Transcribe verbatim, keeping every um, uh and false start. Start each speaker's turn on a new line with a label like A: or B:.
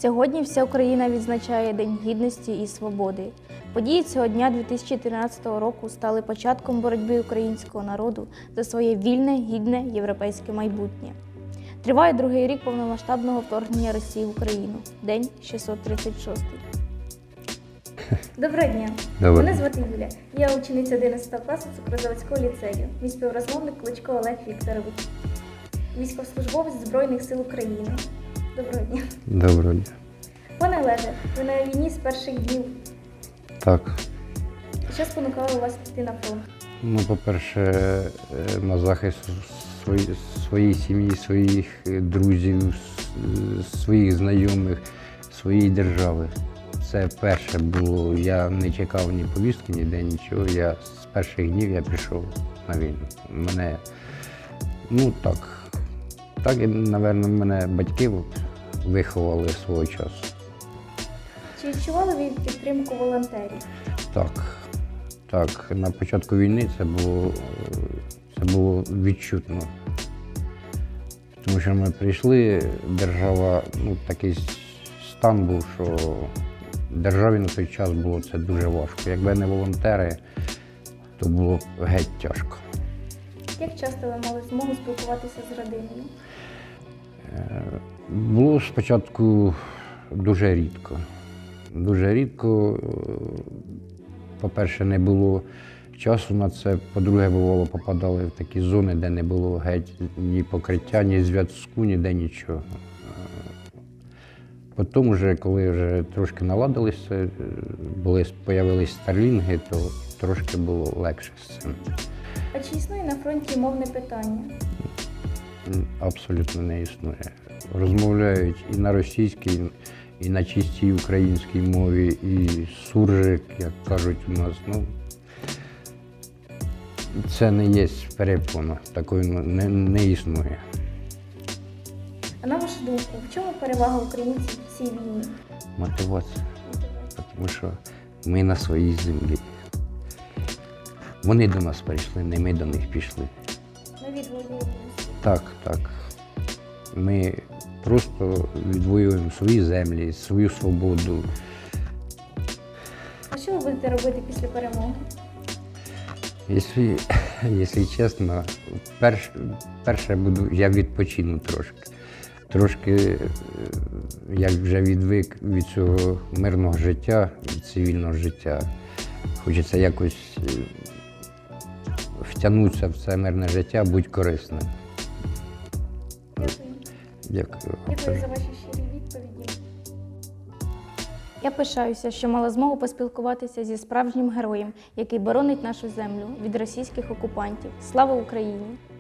A: Сьогодні вся Україна відзначає День Гідності і Свободи. Події цього дня дві тисячі тринадцятого року стали початком боротьби українського народу за своє вільне, гідне європейське майбутнє. Триває другий рік повномасштабного вторгнення Росії в Україну. День шістсот тридцять шостий. Доброго дня!
B: Добре.
A: Мене звати Юля. Я учениця одинадцятого класу Цукрозаводського ліцею. Мій співрозмовник Кличко Олег Вікторович. Військовослужбовець Збройних сил України. Доброго дня.
B: Доброго дня.
A: Пане Олеже, ви на війні з перших днів.
B: Так.
A: Що спонукало вас піти на фронт?
B: Ну, по-перше, на захист свої, своєї сім'ї, своїх друзів, своїх знайомих, своєї держави. Це перше було. Я не чекав ні повістки, ніде нічого. Я з перших днів я пішов на війну. Мене, ну так, так, напевно, мене батьки виховали свого часу.
A: Чи відчували ви підтримку волонтерів?
B: Так, так. На початку війни це було, це було відчутно. Тому що ми прийшли, держава, ну такий стан був, що державі на той час було це дуже важко. Якби не волонтери, то було геть тяжко.
A: Як часто ви мали змогу спілкуватися з родиною?
B: Було спочатку дуже рідко. Дуже рідко, по-перше, не було часу на це, по-друге, бувало, попадали в такі зони, де не було геть ні покриття, ні зв'язку, ніде нічого. Потім, вже, коли вже трошки наладилися, були, з'явились старлінги, то трошки було легше з цим.
A: А чи існує на фронті мовне питання?
B: Абсолютно не існує. Розмовляють і на російській, і на чистій українській мові, і суржик, як кажуть у нас. Ну, це не є перепона, такої не, не існує.
A: А на вашу думку, в чому перевага українців в цій війні?
B: Мотивація. Тому що ми на своїй землі. Вони до нас прийшли, не ми до них пішли.
A: Ми відвоюємо.
B: Так, так. Ми просто відвоюємо свої землі, свою свободу.
A: А що ви будете робити після перемоги?
B: Якщо, якщо чесно, перш, перше буду, я відпочину трошки. Трошки, як вже відвик від цього мирного життя, від цивільного життя, хочеться якось втягнутися в це мирне життя, бути корисним.
A: Дякую.
B: Дякую.
A: Дякую за ваші щирі відповіді. Я пишаюся, що мала змогу поспілкуватися зі справжнім героєм, який боронить нашу землю від російських окупантів. Слава Україні!